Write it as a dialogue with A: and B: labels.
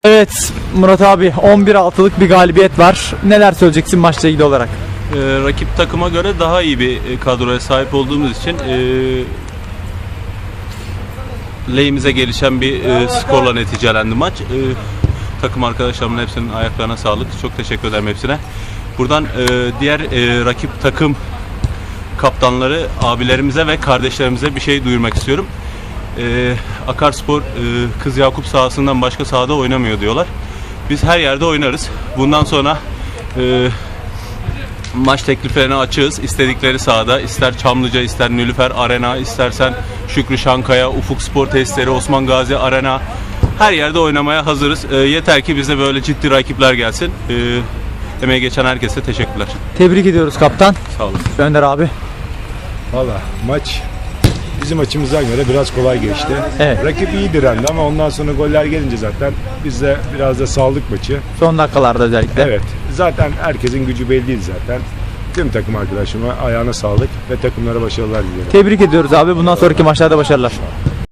A: Evet Murat abi, 11-6'lık bir galibiyet var. Neler söyleyeceksin maçla ilgili olarak?
B: Rakip takıma göre daha iyi bir kadroya sahip olduğumuz için lehimize gelişen bir skorla neticelendi maç. Takım arkadaşlarımın hepsinin ayaklarına sağlık. Çok teşekkür ederim hepsine. Buradan diğer rakip takım kaptanları, abilerimize ve kardeşlerimize bir şey duyurmak istiyorum. Akarspor Kız Yakup sahasından başka sahada oynamıyor diyorlar. Biz her yerde oynarız. Bundan sonra maç tekliflerine açığız. İstedikleri sahada, ister Çamlıca, ister Nilüfer Arena, istersen Şükrü Şankaya, Ufuk Spor Tesisleri, Osman Gazi Arena, her yerde oynamaya hazırız. Yeter ki bize böyle ciddi rakipler gelsin. Emeği geçen herkese teşekkürler.
A: Tebrik ediyoruz kaptan.
B: Sağ olun.
A: Önder abi.
C: Valla maç bizim açımızdan göre biraz kolay geçti.
A: Evet.
C: Rakip iyi direndi ama ondan sonra goller gelince zaten biz de biraz da saldık maçı.
A: Son dakikalarda özellikle.
C: Evet. Zaten herkesin gücü belliydi zaten. Tüm takım arkadaşıma ayağına sağlık ve takımlara başarılar diliyorum.
A: Tebrik ediyoruz abi. Bundan sonraki maçlarda başarılar.